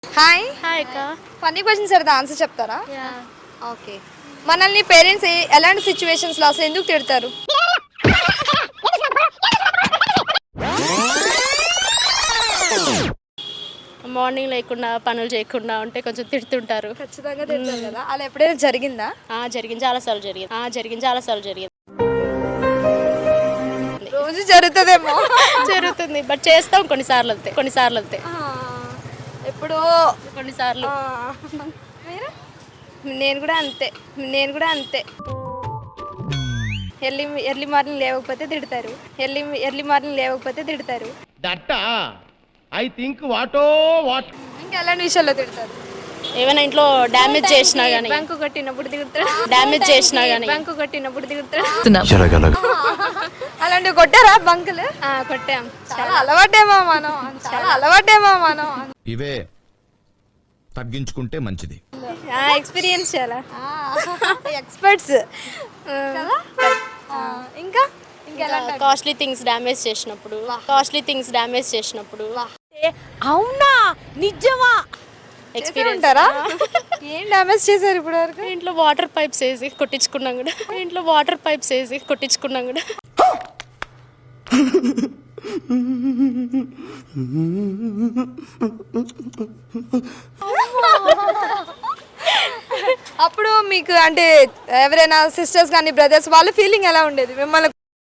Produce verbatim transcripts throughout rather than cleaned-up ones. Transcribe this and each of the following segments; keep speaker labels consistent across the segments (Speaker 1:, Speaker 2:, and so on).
Speaker 1: Hi
Speaker 2: hi అక్క.
Speaker 1: Funny questions అడితే answer చెప్తారా?
Speaker 2: Yeah
Speaker 1: okay. మనల్ని పేరెంట్స్ ఎలాంటి సిచ్యువేషన్స్లో అసలు ఎందుకు తిడతారు?
Speaker 2: మార్నింగ్ లేకుండా పనులు చేయకుండా ఉంటే కొంచెం తిడుతుంటారు.
Speaker 1: ఖచ్చితంగా తిడతారు కదా, అలా ఎప్పుడైనా జరిగిందా?
Speaker 2: ఆ జరిగింది, చాలాసార్లు జరిగింది. ఆ జరిగింది, చాలాసార్లు జరిగింది.
Speaker 1: రోజు జరుగుతుందేమో.
Speaker 2: జరుగుతుంది, బట్ చేస్తాం కొన్నిసార్లు అంతే కొన్నిసార్లు అంతే
Speaker 1: ఎప్పుడో
Speaker 2: కొన్నిసార్లు.
Speaker 1: మీరు? నేను కూడా అంతే నేను కూడా అంతే ఎర్లీ ఎర్లీ మార్నింగ్ లేవకపోతే తిడతారు. ఎర్లీ ఎర్లీ మార్నింగ్ లేవకపోతే తిడతారు.
Speaker 3: That I think what what
Speaker 1: ఇంకా ఎలాంటి విషయాల్లో తిడతారు?
Speaker 2: ఏమైనా ఇంట్లో డ్యామేజ్ చేసినా కానీ
Speaker 1: బ్యాంకు కొట్టినప్పుడు తిడతాడు.
Speaker 2: డ్యామేజ్ చేసినా కానీ
Speaker 1: బ్యాంకు కొట్టినప్పుడు తిడతాడు. అలాంటివి కొట్టారా బంకులు? కొట్టాం. చాలా అలవాటేమో మనం చాలా అలవాటేమో మనం
Speaker 4: ఇవే తగ్గించుకుంటే మంచిది.
Speaker 1: ఎక్స్పీరియన్స్ చాలా ఎక్స్పర్ట్స్ కదా. ఇంకా ఇంకా
Speaker 2: కాస్ట్లీ థింగ్స్ డ్యామేజ్ చేసినప్పుడు కాస్ట్లీ థింగ్స్ డ్యామేజ్ చేసినప్పుడు
Speaker 1: అవునా నిజమా
Speaker 2: ఎక్స్పీరియన్స్
Speaker 1: ఉంటారా? ఏం డ్యామేజ్ చేశారు ఇప్పుడు వరకు?
Speaker 2: ఇంట్లో వాటర్ పైప్స్ వేసి కొట్టించుకున్నాం కూడా ఇంట్లో వాటర్ పైప్స్ వేసి కొట్టించుకున్నాం కూడా
Speaker 1: అప్పుడు మీకు అంటే ఎవరైనా సిస్టర్స్ కానీ బ్రదర్స్ వాళ్ళ ఫీలింగ్ ఎలా ఉండేది? మిమ్మల్ని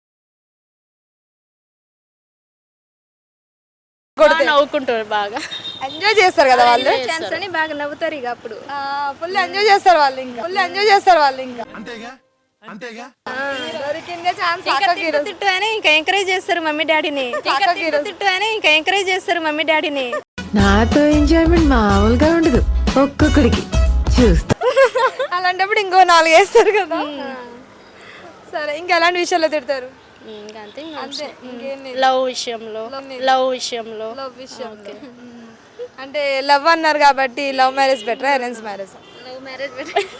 Speaker 2: నవ్వుకుంటారు, బాగా
Speaker 1: ఎంజాయ్ చేస్తారు కదా వాళ్ళు. ఛాన్స్ అని బాగా నవ్వుతారు ఇక అప్పుడు ఫుల్ ఎంజాయ్ చేస్తారు వాళ్ళు ఇంకా ఫుల్ ఎంజాయ్ చేస్తారు వాళ్ళు ఇంకా
Speaker 4: అంతేగా అంతేగా
Speaker 1: దొరికిందే ఛాన్స్.
Speaker 5: తిట్టు అని ఇంకా ఎంకరేజ్ చేస్తారు మమ్మీ డాడీని. తిట్టు అని ఇంకా ఎంకరేజ్ చేస్తారు మమ్మీ డాడీని.
Speaker 6: నాతో ఎంజాయ్మెంట్ మామూలుగా ఉండదు, ఒక్కొక్కడికి చూస్తా.
Speaker 1: అలాంటప్పుడు ఇంకో నాలుగు వేస్తారు కదా. సరే, ఇంకా ఎలాంటి విషయాల్లో తిడతారు?
Speaker 2: ఇంకా అంతే.
Speaker 1: అంతే, ఇంకేం లేదు.
Speaker 2: లవ్ విషయంలో లవ్ విషయంలో
Speaker 1: లవ్ విషయం. అంటే లవ్ అన్నారు కాబట్టి love marriage better arrange marriage?
Speaker 5: Love marriage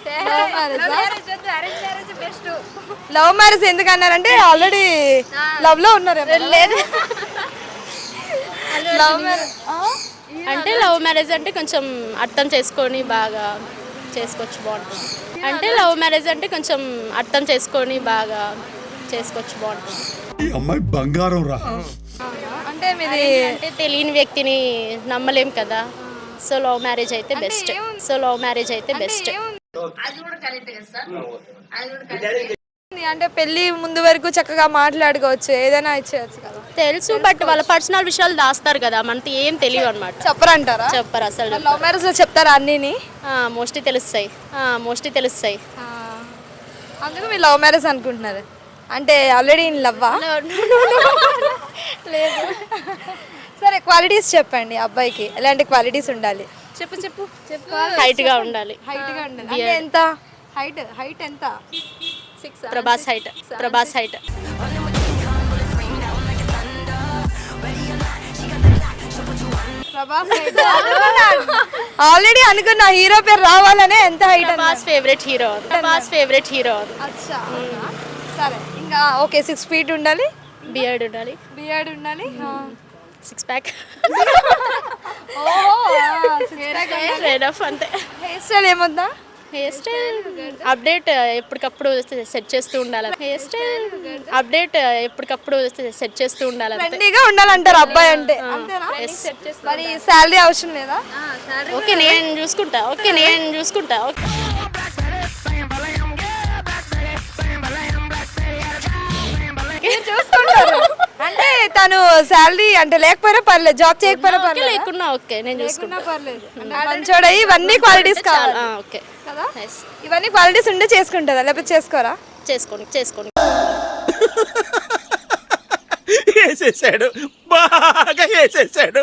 Speaker 5: best.
Speaker 1: Love marriage ఎందుకు అన్నారంటే ఆల్రెడీ లవ్ లో ఉన్నారు. లేదు, లవ్ మ్యారేజ్
Speaker 2: అంటే లవ్ మ్యారేజ్ అంటే కొంచెం అర్థం చేసుకొని బాగా చేసుకోవచ్చు, బాగుంటుంది. అంటే లవ్ మ్యారేజ్ అంటే కొంచెం అర్థం చేసుకొని బాగా చేసుకోవచ్చు, బాగుంటుంది.
Speaker 4: ఈ అమ్మాయి బంగారం రా.
Speaker 1: అంటే మీది
Speaker 2: అంటే తెలియని వ్యక్తిని నమ్మలేం కదా, సో లవ్ మ్యారేజ్ అయితే బెస్ట్ సో లవ్ మ్యారేజ్ అయితే బెస్ట్
Speaker 1: అంటే పెళ్లి ముందు వరకు చక్కగా మాట్లాడుకోవచ్చు, ఏదైనా ఇచ్చేయచ్చు కదా.
Speaker 2: తెలుసు, బట్ వాళ్ళ పర్సనల్ విషయాలు దాస్తారు కదా, మనకి ఏం తెలియదు అనమాట.
Speaker 1: చెప్పరంటారా?
Speaker 2: చెప్పరు అసలు.
Speaker 1: లవ్ మ్యారేజ్ లో చెప్తారా అన్నీని?
Speaker 2: మోస్ట్లీ తెలుస్తాయి మోస్ట్లీ తెలుస్తాయి
Speaker 1: అందుకు మీరు లవ్ మ్యారేజ్ అనుకుంటున్నారు. అంటే ఆల్రెడీ ఇన్ లవ్వా?
Speaker 2: లేదు.
Speaker 1: సరే, క్వాలిటీస్ చెప్పండి. అబ్బాయికి ఎలాంటి క్వాలిటీస్ ఉండాలి?
Speaker 5: చెప్పు చెప్పు చెప్పు.
Speaker 2: హైట్ గా ఉండాలి.
Speaker 1: హైట్ గా ఉండాలి. అంటే ఎంత హైట్? హైట్ ఎంత?
Speaker 5: Six.
Speaker 2: Prabhas height Prabhas height
Speaker 1: Prabhas height already అనుకున్నా. హీరో పేరు రావాలనే ఎంత height?
Speaker 2: Prabhas favourite hero Prabhas favourite hero
Speaker 1: అచ్చా. సరే, ఇంకా ఓకే. సిక్స్ ఫీట్ ఉండాలి,
Speaker 2: బియర్డ్ ఉండాలి,
Speaker 1: బియర్డ్ ఉండాలి,
Speaker 2: సిక్స్ ప్యాక్
Speaker 1: హెయిర్
Speaker 2: అంతే.
Speaker 1: స్టైల్ ఏమొద్దా?
Speaker 2: హెయిర్ స్టైల్ అప్డేట్ ఎప్పటికప్పుడు సెట్ చేస్తూ ఉండాలి. హెయిర్ స్టైల్ అప్డేట్ ఎప్పటికప్పుడు సెట్ చేస్తూ ఉండాలి.
Speaker 1: ట్రెండీగా ఉండాలంటారు అబ్బాయి అంటే, అంతేనా? మరి శాలరీ అవసరం లేదా?
Speaker 2: ఓకే, నేను చూసుకుంటా ఓకే నేను చూసుకుంటా ఓకే
Speaker 1: చూసుకుంటారు అంటే తను శాలరీ అంటే లేకపోయినా పర్లేదు, జాబ్ చేయకపోయినా పర్లేదు,
Speaker 2: లేకున్నా ఓకే నేను చూసుకుంటా
Speaker 1: పర్లేదు. మంచోడ ఇవన్నీ క్వాలిటీస్ కావాలి
Speaker 2: ఓకే
Speaker 1: కదా. ఇవన్నీ క్వాలిటీస్ ఉంటే చేసుకుంటారా లేకపోతే చేసుకోరా?
Speaker 2: చేసుకోండి చేసుకోండి
Speaker 3: వేసేసాడు, బాగా వేసేసాడు.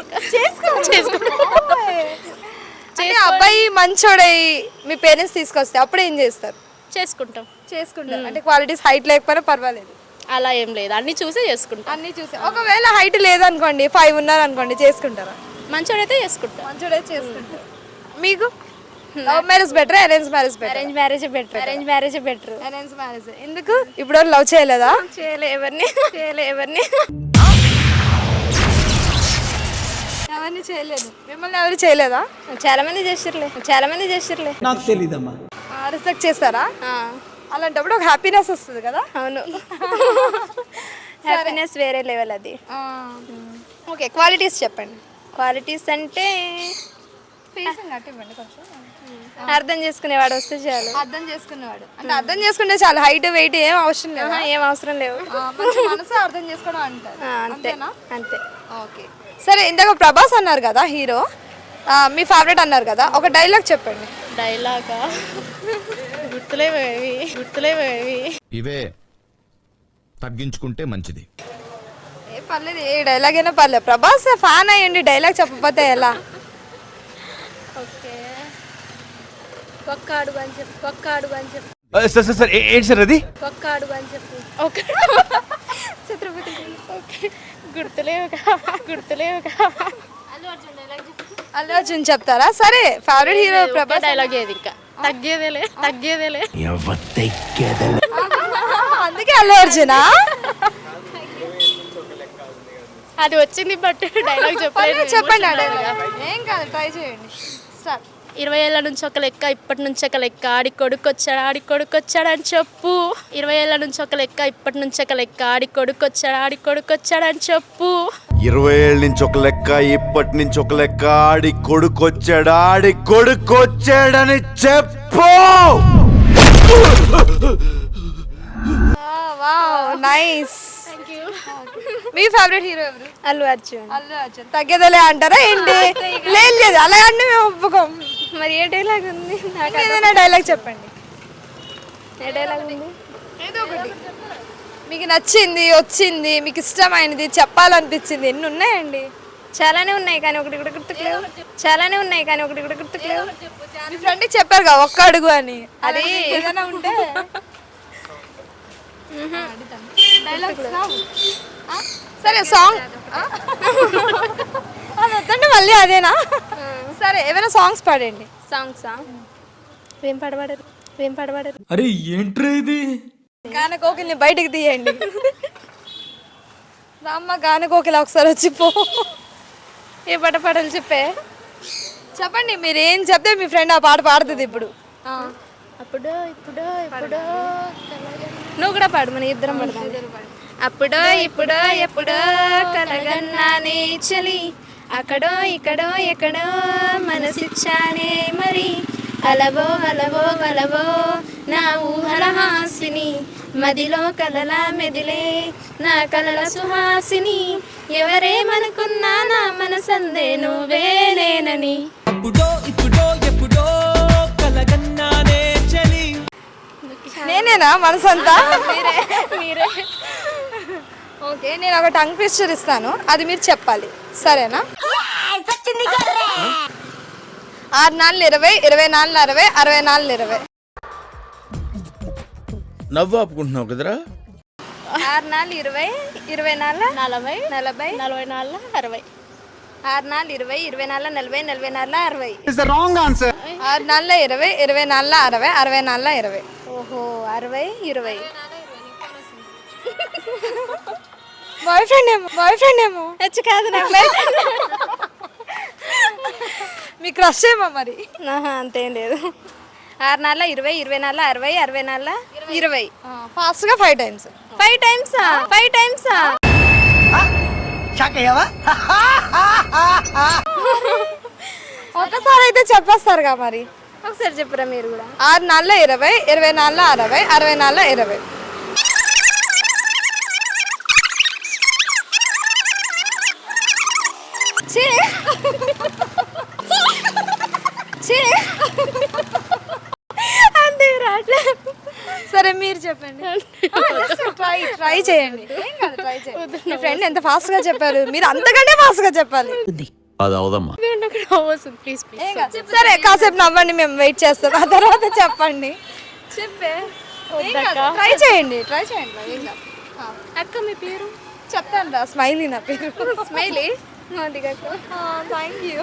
Speaker 1: అంటే అబ్బాయి మంచోడై మీ పేరెంట్స్ తీసుకొస్తే అప్పుడు ఏం చేస్తారు?
Speaker 2: చేసుకుంటాం
Speaker 1: చేసుకుంటారు. అంటే క్వాలిటీస్ హైట్ లేకపోయినా పర్వాలేదు,
Speaker 2: అలా ఏం లేదు, అన్ని చూసే చేసుకుంటాం.
Speaker 1: అన్ని చూసి. ఒకవేళ హైట్ లేదనుకోండి, ఫైవ్ ఉన్నారు అనుకోండి, చేసుకుంటారా?
Speaker 2: మంచోడైతే చేసుకుంటా.
Speaker 1: మంచోడైతే చేసుకుంటారు. మీకు love marriage better arrange marriage better?
Speaker 5: Arrange marriage better. Arrange marriage better.
Speaker 1: Arrange marriage ఎందుకు? ఇప్పుడు లవ్ చేయలేదా?
Speaker 5: చేయలే ఎవరిని చేయలే ఎవరిని
Speaker 1: అవన్నీ చేయలేదు. మిమ్మల్ని ఎవరు చేయలేదా?
Speaker 5: చాలా మంది చేసిర్లే చాలా మంది చేసిర్లే
Speaker 7: నాకు తెలీదమ్మా.
Speaker 1: రిజెక్ట్ చేస్తారా?
Speaker 5: ఆ,
Speaker 1: అలాంటప్పుడు ఒక హ్యాపీనెస్ వస్తుంది కదా.
Speaker 5: అవును. హ్యాపీనెస్ వేరే లెవెల్ అది.
Speaker 1: ఓకే, క్వాలిటీస్ చెప్పండి.
Speaker 5: క్వాలిటీస్ అంటే
Speaker 1: ఫేసింగ్ అట్టివ్వండి కొంచెం.
Speaker 5: అర్థం చేసుకునేవాడు వస్తే చాలు.
Speaker 1: అర్థం చేసుకునేవాడు అంటే అర్థం చేసుకుంటే చాలా హైట్ వెయిట్ ఏం అవసరం లేదు.
Speaker 5: ఆహా, ఏం అవసరం లేవు.
Speaker 1: మనసు అర్థం చేసుకోవడం అంటారు.
Speaker 5: ఆ, అంతే
Speaker 1: అంతేనా?
Speaker 5: అంతే.
Speaker 1: ఓకే, సరే ఇందాక ప్రభాస్ అన్నారు కదా హీరో, మీ ఫేవరెట్ అన్నారు కదా, ఒక డైలాగ్ చెప్పండి.
Speaker 2: డైలాగా గుర్తులేవేవి గుర్తులేవేవి
Speaker 4: ఇవే తగ్గించుకుంటే మంచిది.
Speaker 1: ఏ పర్లేదు, ఏ డైలాగ్ అయినా పర్లేదు. ప్రభాస్ ఫ్యాన్ అయ్యండి, డైలాగ్ చెప్పకపోతే ఎలా?
Speaker 2: ఓకే ఒక్క అడుగు అని చెప్పు ఒక్క అడుగు అని చెప్పు
Speaker 3: సార్ సార్ సార్ ఏంటి సార్ అది?
Speaker 2: ఒక్క అడుగు అని చెప్పు ఓకే ఛత్రపతి ఓకే గుర్తులేవుగా గుర్తులేవుగా
Speaker 1: అల్లు అర్జున్ చెప్తారా? సరే, ఫేవరెట్ హీరో ప్రభాస్.
Speaker 2: డైలాగ్ ఏది ఇంకా తగ్గేదేలే తగ్గేదేలే
Speaker 1: అందుకే అల్లు అర్జునా?
Speaker 2: అది వచ్చింది బట్ డైలాగ్ చెప్పలేదు.
Speaker 1: చెప్పండి ఆ డైలాగ్. ఏం కాదు, ట్రై చేయండి. స్టార్ట్.
Speaker 2: ఇరవై ఏళ్ళ నుంచి ఒక లెక్క ఇప్పటి నుంచి ఒక లెక్క ఆడి కొడుకు వచ్చాడు ఆడి కొడుకు వచ్చాడు అని చెప్పు. ఇరవై ఏళ్ళ నుంచి ఒక లెక్క ఇప్పటి నుంచి ఒక లెక్క ఆడి కొడుకు వచ్చాడు ఆడి కొడుకు వచ్చాడు అని చెప్పు.
Speaker 8: ఇరవై ఏళ్ళ నుంచి ఒక లెక్క ఇప్పటి నుంచి ఒక లెక్క ఆడి కొడుకొచ్చాడు ఆడి కొడుకొచ్చాడని చెప్పు.
Speaker 1: Wow, nice. మీ ఫేవరెట్ హీరో ఎవరు?
Speaker 5: అల్లు అర్జున్.
Speaker 1: అల్లు అర్జున్. తగ్గేదలే అంటారా ఏంటి? లేదు లేదు, అలా అంటే మేము ఒప్పుకోం.
Speaker 5: మరి ఏ డైలాగ్ ఉంది? నాకు
Speaker 1: ఏదైనా డైలాగ్ చెప్పండి.
Speaker 5: ఏ డైలాగ్ ఉంది?
Speaker 1: ఏదో ఒకటి మీకు నచ్చింది, వచ్చింది, మీకు ఇష్టమైనది, చెప్పాలనిపించింది. ఎన్ని ఉన్నాయండి?
Speaker 5: చాలానే ఉన్నాయి కానీ ఒకటి కూడా గుర్తుకులేవు. చాలానే ఉన్నాయి కానీ ఒకటి కూడా గుర్తుకులేవు.
Speaker 1: మీ ఫ్రెండ్కి చెప్పారు కదా ఒక్క అడుగు అని, అది ఏదైనా ఉంటే డైలాగ్స్ రావు. ఆ? సరే, సాంగ్ అది వద్దంటే మళ్ళీ అదేనా? సరే, ఏమైనా సాంగ్స్ పాడండి.
Speaker 5: సాంగ్సా? ఏం పాడబడరు ఏం పాడబడరు
Speaker 7: అరే ఏంట్రా ఇది?
Speaker 1: గాన కోకిల్ని బయటికి తీయండి. రామ్మ గాన కోకిల ఒకసారి వచ్చి పో.
Speaker 5: ఏ పాట పాడాలి చెప్పే.
Speaker 1: చెప్పండి, మీరు ఏం చెప్తే మీ ఫ్రెండ్ ఆ పాట పాడుతుంది ఇప్పుడు.
Speaker 2: అప్పుడు ఇప్పుడు ఇప్పుడు
Speaker 5: నువ్వు కూడా పాడు, మన ఇద్దరం పడదాం. అప్పుడో ఇప్పుడో ఎప్పుడో కలగన్నానే చలి, అక్కడో ఇక్కడో ఎక్కడో మనసిచ్చానే మరి, అలవో అలవో అలవో నా ఊహల హాసిని, మదిలో కలల మెదిలే నా కలల సుహాసిని, ఎవరేమనుకున్నా నా మనసందే నువ్వేనేనని.
Speaker 7: అప్పుడో ఇప్పుడో ఎప్పుడో కలగన్నానే చలి.
Speaker 1: నేనేనా మనసంతా?
Speaker 5: మీరే మీరే
Speaker 1: ఓకే, నేను ఒక టంగ్ ట్విస్టర్ ఇస్తాను, అది మీరు చెప్పాలి, సరేనా? ఆరు నాలుగు ఇరవై, ఇరవై నాలుగు అరవై, అరవై నాలుగు ఇరవై.
Speaker 3: నవ్వు ఆపుకుంటున్నావు కదరా?
Speaker 5: ఆరు నాలుగు ఇరవై, ఇరవై నాలుగు
Speaker 2: నలభై
Speaker 5: నలభై,
Speaker 2: నలభై నాలుగు అరవై.
Speaker 5: ఆరు నాలుగు ఇరవై, ఇరవై నాలుగు నలభై, నలభై నాలుగు అరవై.
Speaker 1: ఆరు నాలుగు ఇరవై, ఇరవై నాలుగు అరవై, అరవై నాలుగు ఇరవై.
Speaker 5: ఓహో, అరవై ఇరవై.
Speaker 1: బాయ్ ఫ్రెండ్ ఏమో బాయ్ ఫ్రెండ్ ఏమో
Speaker 5: హెచ్ కాదు నాకు.
Speaker 1: మీ క్రష్ ఏమో మరి?
Speaker 5: ఆహా, అంతేం లేదు. ఆరు నాలుగు ఇరవై, ఇరవై నాలుగు అరవై, అరవై నాలుగు ఇరవై.
Speaker 1: ఫాస్ట్గా ఫైవ్ టైమ్స్.
Speaker 5: ఫైవ్ టైమ్సా? ఫైవ్ టైమ్సా?
Speaker 1: ఒకసారి అయితే చెప్పేస్తారుగా మరి.
Speaker 5: ఒకసారి చెప్పురా మీరు కూడా.
Speaker 1: ఆరు నాలుగు ఇరవై, ఇరవై నాలుగు అరవై, అరవై నాలుగు ఇరవై.
Speaker 5: అంతే రాట్లేదు.
Speaker 1: సరే మీరు చెప్పండి. ట్రై ట్రై చేయండి, ఏం కాదు, ట్రై చేయండి. మీ ఫ్రెండ్ ఎంత ఫాస్ట్ గా చెప్పారు, మీరు అంతకంటే ఫాస్ట్ గా చెప్పాలి.
Speaker 8: అది అవదమ్మా.
Speaker 2: ప్లీజ్ ప్లీజ్
Speaker 1: ఏం కాదు. సరే, కాసేపు నవ్వండి, మేము వెయిట్ చేస్తాం, ఆ తర్వాత చెప్పండి.
Speaker 5: చెప్పే.
Speaker 1: ట్రై చేయండి ట్రై చేయండి ఏం కాదు.
Speaker 5: అక్క మీ పేరు
Speaker 1: చెప్తాను రా, స్మైలీ నా పేరు.
Speaker 5: స్మైలీ.
Speaker 1: Thank you.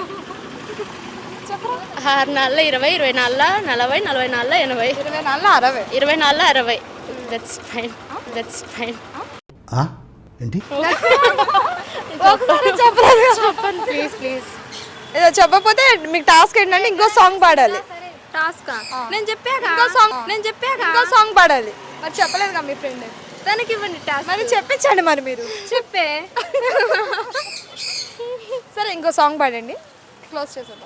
Speaker 2: ఆరు నాలుగు ఇరవై, ఇరవై నాలుగు నలభై, నలభై నాలుగు ఎనభై,
Speaker 1: ఇరవై నాలుగు అరవై,
Speaker 2: ఇరవై నాలుగు అరవై. That's fine that's fine.
Speaker 4: ఏంటి?
Speaker 1: ఒకసారి చెప్పలేదు.
Speaker 2: చెప్పండి ప్లీజ్ ప్లీజ్.
Speaker 1: ఏదో చెప్పకపోతే మీకు టాస్క్ ఏంటంటే ఇంకో సాంగ్ పాడాలి.
Speaker 5: టాస్క్ నేను చెప్పాక
Speaker 1: ఇంకో సాంగ్
Speaker 5: నేను చెప్పాక
Speaker 1: ఇంకో సాంగ్ పాడాలి. మరి చెప్పలేదు కదా మీ ఫ్రెండ్,
Speaker 5: దానికి ఇవ్వండి టాస్క్.
Speaker 1: మరి చెప్పించండి మరి మీరు.
Speaker 5: చెప్పే
Speaker 1: సరే ఇంకో సాంగ్ పాడండి, క్లోజ్ చేసేద్దాం.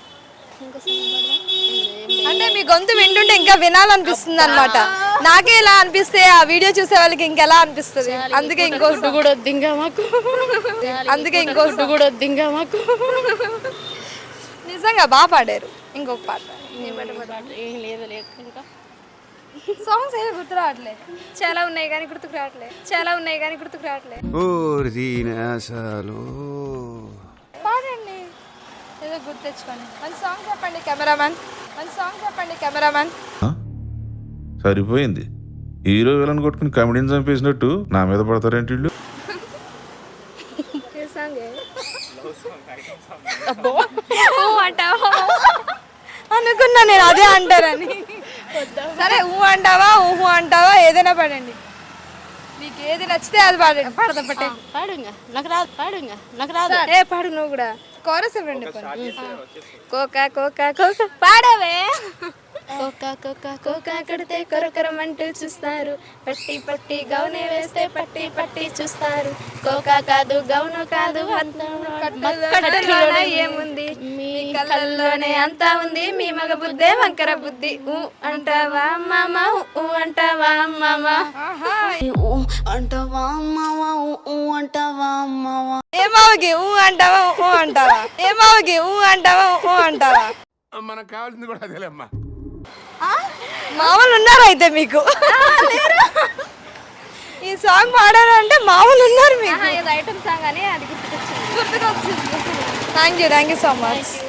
Speaker 1: అంటే మీ గొంతు వింటుంటే ఇంకా వినాలనిపిస్తుంది అనమాట. నాకే ఇలా అనిపిస్తే ఆ వీడియో చూసే వాళ్ళకి ఇంకెలా అనిపిస్తుంది. అందుకే ఇంకో
Speaker 2: ఫుడ్ కూడా వద్దు ఇంకా మాకు,
Speaker 1: అందుకే ఇంకో
Speaker 2: ఫుడ్ కూడా వద్దు ఇంకా మాకు.
Speaker 1: నిజంగా బాగా పాడారు. ఇంకొక పాట
Speaker 2: ఏం లేదు లేదు ఇంకా
Speaker 1: సాంగ్స్ ఏమీ గుర్తు రావట్లేదు.
Speaker 5: చాలా ఉన్నాయి కానీ గుర్తుకు రావట్లే చాలా ఉన్నాయి కానీ గుర్తుకు రావట్లే
Speaker 1: పాడండి, ఏదో గుర్తు తెచ్చుకోండి. మంచి సాంగ్ చెప్పండి కెమెరామ్యాన్, మంచి సాంగ్ చెప్పండి కెమెరామ్యాన్.
Speaker 9: సరిపోయింది. హీరో విలన్ కొట్టుకుని కమెడీని చంపేసినట్టు నా మీద పడతారేంటి వీళ్ళు?
Speaker 1: అనుకున్నా నేను అదే అంటారని. సరే ఊ అంటావా ఊహు అంటావా ఏదైనా పాడండి, మీకు ఏది నచ్చితే అది పాడండి. పాడదా పట్టే
Speaker 2: పాడు ఇంకా నాకు రాదు, పాడు ఇంకా నాకు రాదు.
Speaker 1: ఏ పాడు నువ్వు కూడా. కోరస్ ఇవ్వండి.
Speaker 5: కోకా కోకా కోకా పాడవే.
Speaker 2: కోకా కోకా
Speaker 5: కోకా కడితే కొరకొరమంటూ చూస్తారు, పట్టి పట్టి గౌనే వేస్తే పట్టి పట్టి చూస్తారు. కోకా కాదు గౌను కాదు కట్టులోనే ఏముంది, మీ కళ్ళల్లోనే అంతా ఉంది. మీ మగ బుద్ధే వంకర బుద్ధి. ఊ అంటావా మామ ఊ అంటావా మామ
Speaker 2: అంటావా మావా అంటావా మావా.
Speaker 1: ఏమావకి ఊ అంటావా ఊ అంటావా, ఏమావకి ఊ అంటావా ఊ అంటావా.
Speaker 3: మనకు కావాల్సింది కూడా అదేలేమ్మా.
Speaker 1: మామూలు ఉన్నారు అయితే మీకు. ఈ సాంగ్ పాడారు అంటే మామూలు ఉన్నారు మీకు.
Speaker 5: ఐటమ్ సాంగ్ అని అది గుర్తుకొచ్చింది.
Speaker 1: గుర్తుకొచ్చింది. Thank you thank you so much.